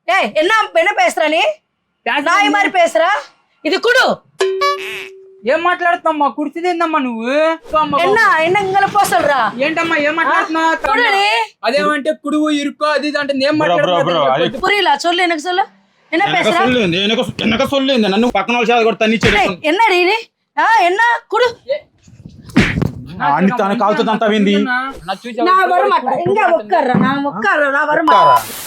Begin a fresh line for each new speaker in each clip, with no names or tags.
ஏய் என்ன பேசுற நீ నాయి మరి పేసరా ఇది కుడు
ఏం మాట్లాడుతామ్మా కుర్చీదేందమ్మా నువ్వు
என்ன ఇంగల పోసల్రా
ఏంటమ్మా ఏం మాట్లాడుతున్నావు అదేమంటే కుడువు ఇరుకో అది అంటే ఏం మాట్లాడుతున్నావు
புரியல சொல்லு எனக்கு சொல்லு என்ன பேசுற
எனக்கு சொல்லுங்க నన్ను పక్కన వాళ్ళ చేత కూడా తన్నిచ్చాడు
என்னடி நீ என்ன కుడు
అన్ని తన కాలుతో అంతా వింది
నా వరమాట ఇంగా ఒక్కర్రా నా వరమాట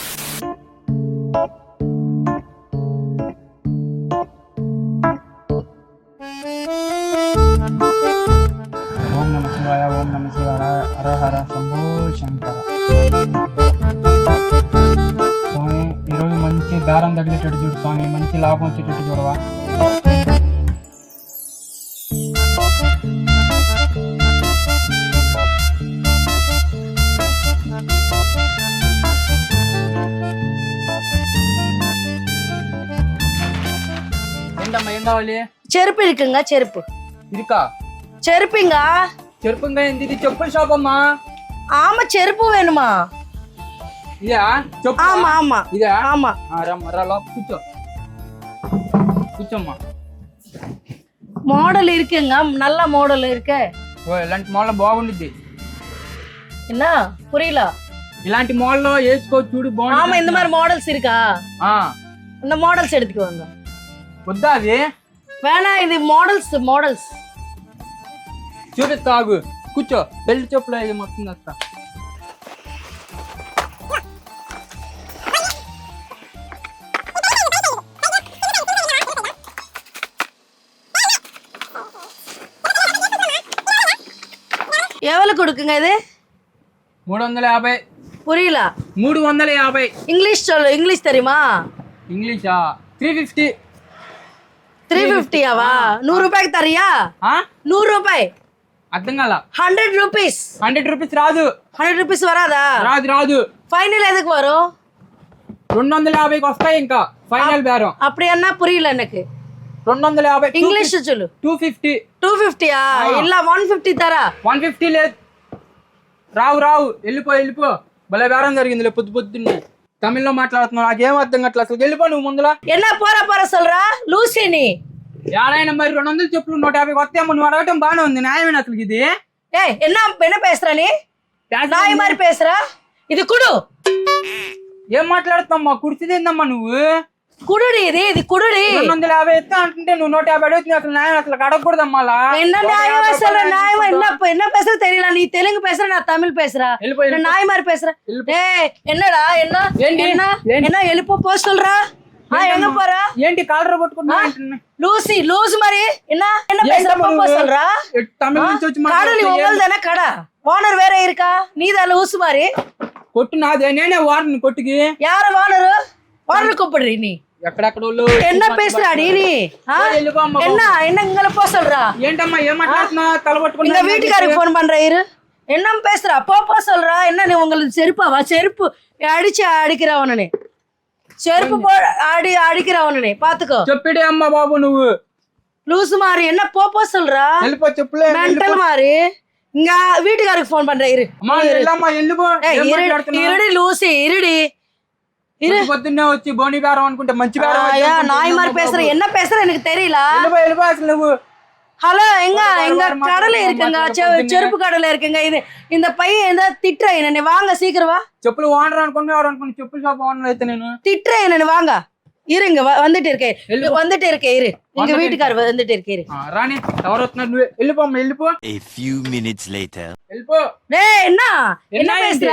ఓం నమ శివాయ హర హర శంభో శంకర. స్వామి ఈరోజు మంచి దారం తగిలేటట్టు చూడు స్వామి, మంచి లాభం వచ్చేటట్టు చూడవా. ఏంటమ్మా ఏం కావాలి?
చెరుపు இருக்குங்க చెరుపు
ఇరుకా
చెరుపుங்க
చెరుపుగా ఏంది? ఇది చెప్పుల షాప్ అమ్మా.
ஆமா చెరుపు வேணுமா?
ఇదా చెప్పు.
ஆமா ஆமா
ఇదా?
ஆமா
రా కూర్చో కూర్చోమ్మా.
మోడల్ இருக்குங்க, நல்ல మోడల్ இருக்கு.
ఓ ఇలాంటి మోడల్ బాగుండిద్ది.
என்ன புரியல?
ఇలాంటి మోడల్ వేసుకో చూడు బాగుంది.
ஆமா இந்த மாதிரி மாடல்ஸ் இருக்கா? இந்த மாடல்ஸ் எடுத்துக்குவாங்க.
వద్దా అది?
வேணா இது மாடல்ஸ்
చూడు తాగు కూర్చో. బెల్ట్ చెప్పులు అయ్యి మొత్తం వస్తా.
எவ்வளவு கொடுக்குங்க இது?
350.
புரியல?
350.
இங்கிலீஷ் சொல்லு, இங்கிலீஷ் தெரியுமா?
ఇంగ్లీషా? 350.
350వా? 100 రూపాయకి తరియా? 100 రూపాయి.
అర్థం కాల.
100 రూపీస్.
100 రూపీస్ రాదు.
100 రూపీస్ వరాదా?
రాదు.
ఫైనల్ ఎదుకు వரும்?
250కి వస్తాయి ఇంకా ఫైనల్ బేరం.
அப்படி என்ன புரியல எனக்கு.
250.
ఇంగ్లీష్ சொல்லு.
250.
250 இல்ல 150 తరా.
150 లేదు. రావు వెళ్ళిపో. భలే బేరం జరిగింది పొద్దున్నే. తమిళ్లో మాట్లాడుతున్నావు, నాకేం అర్థం కావట్లేదు అసలు. వెళ్ళిపో నువ్వు ముందులా.
என்ன போற சொல்றா లూసీ నీ?
యాడైనా మరి 200 చెప్పులు 150 వస్తాయమ్మా. నువ్వు అడగటం బాగానే ఉంది, న్యాయమేనా అసలు ఇది?
ఏయ్ என்ன பேசுற நீ? నాయి మరి పేసరా? ఇది కుడు.
ఏం మాట్లాడుతామ్మా? కుర్చీదేందమ్మా నువ్వు?
కుడుడి ఇది కుడుడి.
250 ఎత్తా అంటుంటే నువ్వు 150 అడుగుతుంది. అసలు న్యాయం అసలు అడగకూడదమ్మా అలా.
என்ன நியாயம் பேசுற? நியாயம் என்ன பேசுற தெரியல. நீ தெலுங்கு பேசுற, நான் தமிழ் பேசுறேன். நான் நாய் மாதிரி பேசுறேன். ஏய் என்னடா என்ன எழுப்ப போ சொல்றா? எங்க போற?
ఏంటి కాలర్ పట్టుకున్నా?
లూస్ మరి என்ன பேசுற? போ சொல்றா.
తమిళ నుంచి వచ్చి
கடை நீ உங்கள்தானே கடை? ஓனர் வேற இருக்கா? நீதான் லூஸ் மாதிரி.
కొట్టు నాదే, నేనే వారిని కొట్టుకి.
யாரு ஓனர் கூப்பிடுறீ நீ?
ఎక్కడెక్కడోళ్ళు
என்ன பேசுறாடி நீ? என்ன இங்கல போ சொல்றா?
ఏంటమ్మా ఏం మాట్లాడుతున్నా? తల పట్టుకున్నా.
எங்க வீட்டுக்காரருக்கு போன் பண்ற இரு. என்ன பேசுறா? போ சொல்றா. என்ன நீ உங்களுக்கு செருப்பாவா? செருப்பு அடிச்சு அடிக்கிறவனே. செருப்பு போ அடிக்கிறவனே பாத்துக்கோ.
చెప్పిడే అమ్మా బాబు నువ్వు.
லூசு மாதிரி என்ன போ சொல்றா?
వెళ్ళిపో చెప్పులే.
మెంటల్ மாதிரி. இங்க வீட்டுக்காரருக்கு போன் பண்ற இரு.
అమ్మా వెళ్ళమ్మా వెళ్ళిపో.
இருடி லூசி இருடி.
పొద్దున్నే వచ్చి బోని బేరం అనుకుంటే మంచి బేరం.
நாய் மாதிரி பேசுற. என்ன பேசுற எனக்கு தெரியல.
వెళ్ళిపో అసలు నువ్వు.
ஹலோ எங்க கடலை இருக்குங்க, செருப்பு கடலை இருக்குங்க. இது இந்த பையன் ஏதாவது திட்டுற என்ன? வாங்க சீக்கிரம் வா.
చెప్పులు ఓనర్ అనుకుని ఎవరు అనుకుని చెప్పుల షాప్ ఓనర్ అయితే నేను
திட்டுற என்ன? வாங்க இருங்க, வந்துட்டு இருக்கேன் இரு. எங்க வீட்டுக்காரர் வந்துட்டு இருக்கேன்.
రాని ఎవరు వస్తున్నారు? నువ్వు వెళ్ళిపో.
A few minutes later.
వెళ్ళిపో.
டேய் என்ன பேசுற?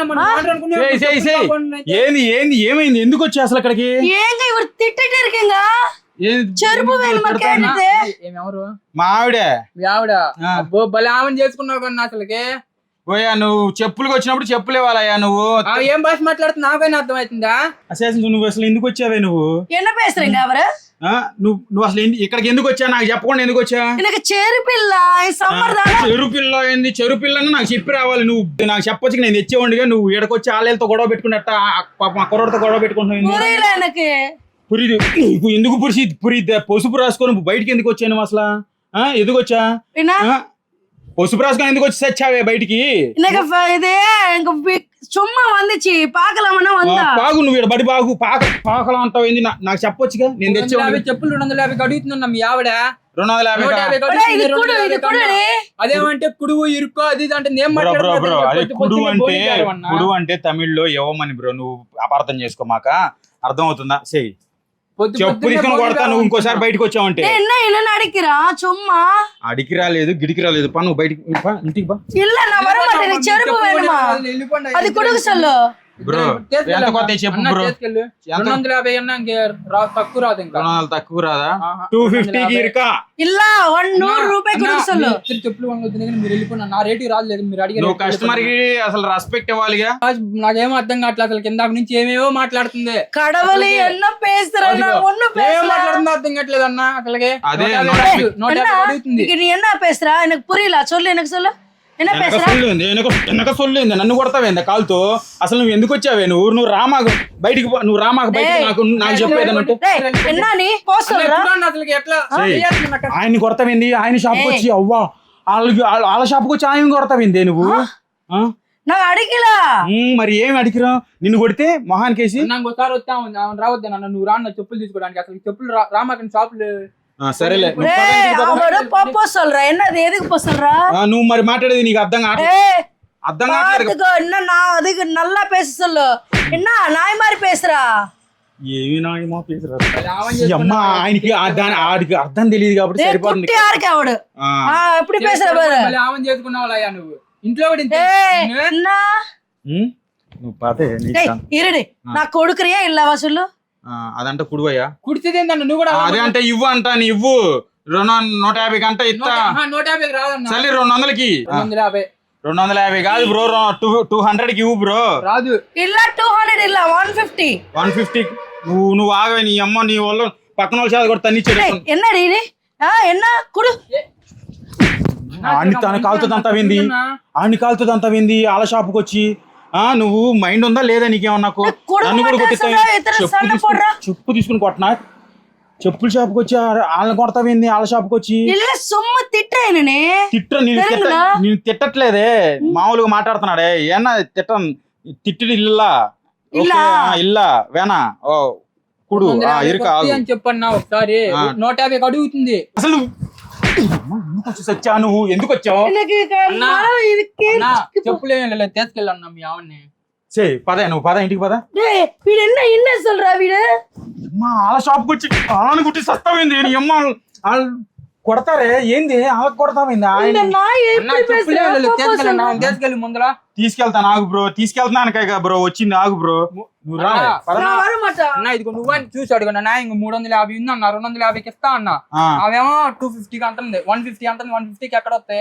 ఏమైంది? ఎందుకు వచ్చి అసలు అక్కడికి?
ஏங்க இவர் திட்டிட்டு இருக்கீங்க? చెరుపు వేణుమా కేండితే?
ఎవరు?
మా ఆవిడ.
అబ్బో భలే ఆమెను చేసుకున్నావు కన్నా అసలుకి.
ఓయా నువ్వు చెప్పులకు వచ్చినప్పుడు చెప్పులు ఇవ్వాలయ్యా. నువ్వు
ఏం భాష మాట్లాడుతున్నా నాకైనా అర్థం అవుతుందా?
అసలు నువ్వు అసలు ఎందుకు వచ్చావే నువ్వు?
என்ன பேசுறீங்க அவரு?
నువ్వు అసలు ఇక్కడికి ఎందుకు వచ్చా? నాకు చెప్పకుండా ఎందుకు వచ్చా?
எனக்கு చెరుపిల్ల సమ్మర్దాన.
చెరుపిల్ల ఏంది? చెరుపిల్లని నాకు చెప్పి రావాలి. నువ్వు నాకు చెప్పొచ్చు, నేను తెచ్చేవాడిగా. నువ్వు ఇక్కడికొచ్చి ఆలయాలతో గొడవ పెట్టుకున్నట్ట మా కుర్రతో గొడవ పెట్టుకుంటున్నావు.
புரியல எனக்கு.
పురిది ఎందుకు పురిద్దా? పసుపు రాసుకొని బయటికి ఎందుకు వచ్చాను అసలు? ఎందుకు వచ్చా? పసుపు రాసుకొని ఎందుకు వచ్చి చచ్చావే బయటికి?
சும்மா வந்துச்சு பாக்கலாமன்னா வந்தா
పాగు నువ్వు ఈడ బడి బాగు పాకలా అంటావు ఏంది నాకు చెప్పొచ్చుగా నేను తెచ్చేవాడిని
చెప్పులు 250 అడుగుతున్నా మీ ఆవిడ
250
అదేమంటే కుడువు ఇరుకో అది ఇది అంటే నేను
బ్రో అదే కుడు అంటే తమిళ్లో ఇవ్వమని బ్రో నువ్వు అపార్థం చేసుకోమాక అర్థం అవుతుందా చెయ్యి చెప్పు తీసుకుని కొడతా నువ్వు ఇంకోసారి బయటకు వచ్చావంటే
என்ன அடிக்கிறா சும்மா
అడికి రాలేదు గిడికి రాలేదు పా నువ్వు బయటికి ఇంటికి బా
இல்ல நான் வர மாட்டேன் எனக்கு செருப்பு வேணுமா அது கொடுக்க சொல்லு
బ్రో ఎంత కొత్త చెప్పు బ్రో
250 అన్నా తక్కువ రాదు ఇంకా
200 తక్కువ రాదా 250 కి ఇరుకా
இல்ல 100 రూపాయి கொடுக்க சொல்லு
చెప్పులు కొనుక్కొద్దు మీరు వెళ్ళిపోయినా నా రేటు రాలేదు మీరు అడిగారు
నువ్వు కస్టమర్ కి అసలు రెస్పెక్ట్ ఇవ్వాలిగా
నాకేమో అర్థం కావట్లేదు అసలు కింద నుంచి ఏమేవో మాట్లాడుతుంది
கடவுளே என்ன பேசுற நான் ஒண்ணு
ఏం మాట్లాడుతుందో అర్థం కావట్లేదు అన్న అసలుకే
అదే
150 అడుగుతుంది
நீ என்ன பேசுற எனக்கு புரியல சொல்லு எனக்கு சொல்லு என்ன பேசுற
వెనక సొల్లేంది నన్ను కొడతావేంది కాలుతో అసలు నువ్వు ఎందుకు వచ్చావే నువ్వు రామాకు బయటికి నువ్వు రామాకు బయటికి నాకు చెప్పేదన్నట్టు
என்ன நீ போ சொல்ற
అసలుకి ఎట్లా
ఆయన్ని కొడతావేంది ఆయన షాప్కి వచ్చి అవ్వా వాళ్ళ షాప్కి వచ్చి ఆయన కొడతావేంది నువ్వు
నాకు అడిగిల
మరి ఏమి అడిగిరా నిన్ను కొడితే మొహానికేసి
నాకు ఒకసారి వస్తా రావద్దా నన్ను నువ్వు రాన్న చెప్పులు తీసుకోవడానికి అసలు చెప్పులు రామాకని షాపులు
సరేలే
పో சொல்ற என்னது எதுக்கு போ சொல்ற
నువ్వు మరి మాట్లాడేది నీకు అర్థం కావట్లేదు
என்ன நான் அதுக்கு நல்லா பேச சொல்லு என்ன நாய் மாதிரி பேசுறா
ఏమి నాయమో అమ్మా ఆయనకి ఆడికి అర్థం తెలియదు కాబట్టి సరిపోతుంది
யாருக்கு அவடு எப்படி பேசுற பாரு
ఆమె చేసుకున్నావా నువ్వు ఇంట్లో
என்ன
నువ్వు పాతే
இருடி நான் கொடுக்கறியா இல்லவா சொல்லு
అదంటే కుడువయ్యా
కుడిచేది నువ్వు కూడా
అదే అంటే ఇవ్వు అంటా నీ ఇవ్వు 150 కంటే ఇస్తా
150 రాదన్న
సరే 200కి 250 కాదు బ్రో 200 కి ఇవ్వు బ్రో
రాదు
இல்ல 200 இல்ல 150
నువ్వు ఆగవే నీ అమ్మ నీ వల్ల పక్కన వాళ్ళ చేత కూడా తన్నిచ్చాడు
என்னடி நீ என்ன குடு
ఆడిని తన కాలుతుంది అంతా వింది వాళ్ళ షాప్కి వచ్చి నువ్వు మైండ్ ఉందా లేదా నీకేమన్నా నాకు నన్ను కూడా కొట్టిస్తా చెప్పు తీసుకుని కొట్టనా చెప్పుల షాప్కి వచ్చి వాళ్ళని కొడతావింది వాళ్ళ షాప్కి వచ్చి నేను తిట్టట్లేదే మామూలుగా మాట్లాడుతున్నాడే ఏనా తిట్టడు ఇల్లా వేనా ఓ కుడు ఇరుక
అని చెప్పన్నా ఒకసారి 150 అడుగుతుంది
అసలు వచ్చా నువ్వు ఎందుకు వచ్చావు
చెప్పులే తీసుకెళ్ళన్నా మీ ఆవిడ్ని
పద నువ్వు పద ఇంటికి పద
వీడు என்ன சொல்றா వీడు
వాళ్ళ షాప్కి వచ్చి వాళ్ళని కుట్టి సస్తావింది నీ అమ్మ వాళ్ళు కొడతారే ఏంది వాళ్ళకి కొడతావింది
తీసుకెళ్ళి ముందర
తీసుకెళ్తాను ఆగు బ్రో తీసుకెళ్తున్నాను బ్రో వచ్చింది ఆగు బ్రో నువ్వు
అన్న ఇదిగో నువ్వు చూసి అడుగున్నా నా ఇంక 350 ఉంది అన్న 250కి ఇస్తా అన్న అవేమో 250కి అంటుంది 150 అంటుంది 150కి ఎక్కడ వస్తాయి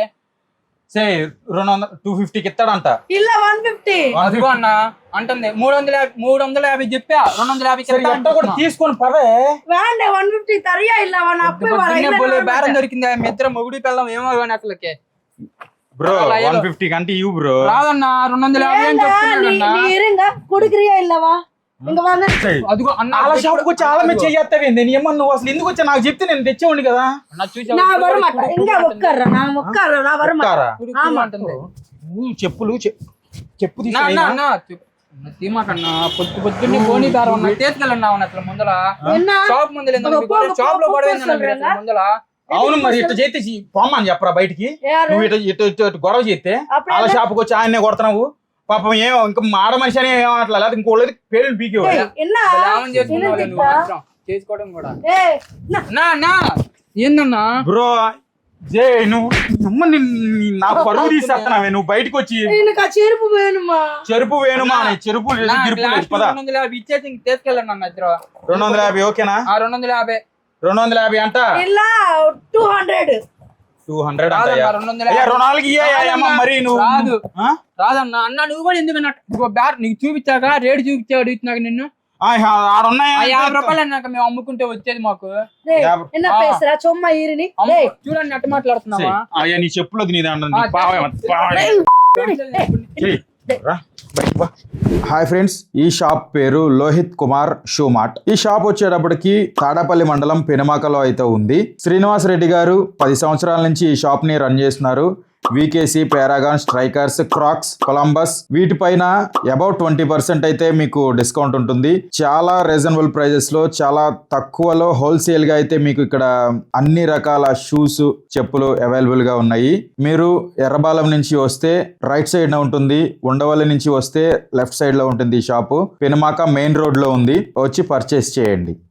250కి ఇస్తాడంట
இல்ல 150
అదిగో అన్న అంటుంది 350 చెప్పా 250
తీసుకొని పదే
వేండ 150 తరియా இல்ல వన అప్పే
బేరం దొరికింది మీ ఇద్దరు మొగుడి పిల్లం ఏమో కానీ అసలుకే
బ్రో 150 కంటే ఇవ్వు బ్రో
రాదన్న 250 అని చెప్తున్నాడన్నా
இருங்க குடுக்குறியா இல்லவா ఇంక వాంగ
అదిగో అన్న
వాళ్ళ షాప్కి వచ్చి ఆలమే చెయ్యత్తవేంది నీ అమ్మ నువ్వు అసలు ఎందుకు వచ్చా నాకు చెప్తే నేను తెచ్చేవాడిని కదా
నా వరమాట ఇంకా ఒక్కర్రా నా వరమాట
చెప్పులు చెప్పు
తీమాకన్నా పొద్దున్నే పోనీ దారం తీసుకెళ్ళన్నా అసలు ముందల షాప్ ముందర షాప్ లో పడవేందన్న ముందల
అవును మరి ఇట్లా చేస్తే పోమ్మని చెప్పరా బయటికి నువ్వు ఇటు గొడవ చేస్తే వాళ్ళ షాప్కి వచ్చి ఆయన్నే కొడుతున్నావు పాపం ఏమో ఇంకా మాడ మనిషి అని ఏమట్లా లేదా ఇంకోళ్ళది పేర్లు పీకేవాడు
చేసుకోవడం కూడా ఏందన్నా
బ్రో నువ్వు నా పరుగు తీసేస్తున్నావే నువ్వు బయటకు వచ్చి చెరుపు వేణుమా చెరుపు
ఇచ్చేసి తీసుకెళ్ళండి ఇద్దరు
250 ఓకేనా 250 అంట 200 మరి నువ్వు
రాదన్నా అన్న నువ్వు కూడా ఎందుకు నీకు చూపించాక రేటు చూపించా అడుగుతున్నాక నిన్ను 50 రూపాయలు అన్నాక మేము అమ్ముకుంటే వచ్చేది మాకు చూడండి అట్ట మాట్లాడుతున్నావా
నీ చెప్పులు హాయ్ ఫ్రెండ్స్, ఈ షాప్ పేరు లోహిత్ కుమార్ షూ మార్ట్. ఈ షాప్ వచ్చేటప్పటికి తాడపల్లి మండలం పెనుమాకలో అయితే ఉంది. శ్రీనివాస్ రెడ్డి గారు 10 సంవత్సరాల నుంచి ఈ షాప్ ని రన్ చేస్తున్నారు. VKC, Paragon, Strikers, Crocs, Columbus వీటిపైన అబౌట్ 20% అయితే మీకు డిస్కౌంట్ ఉంటుంది. చాలా రీజనబుల్ ప్రైజెస్ లో, చాలా తక్కువలో హోల్సేల్ గా అయితే మీకు ఇక్కడ అన్ని రకాల షూస్, చెప్పులు అవైలబుల్ గా ఉన్నాయి. మీరు ఎర్రబాలెం నుంచి వస్తే రైట్ సైడ్ లో ఉంటుంది, ఉండవల్లి నుంచి వస్తే లెఫ్ట్ సైడ్ లో ఉంటుంది ఈ షాపు. పెనుమాక మెయిన్ రోడ్ లో ఉంది, వచ్చి పర్చేస్ చేయండి.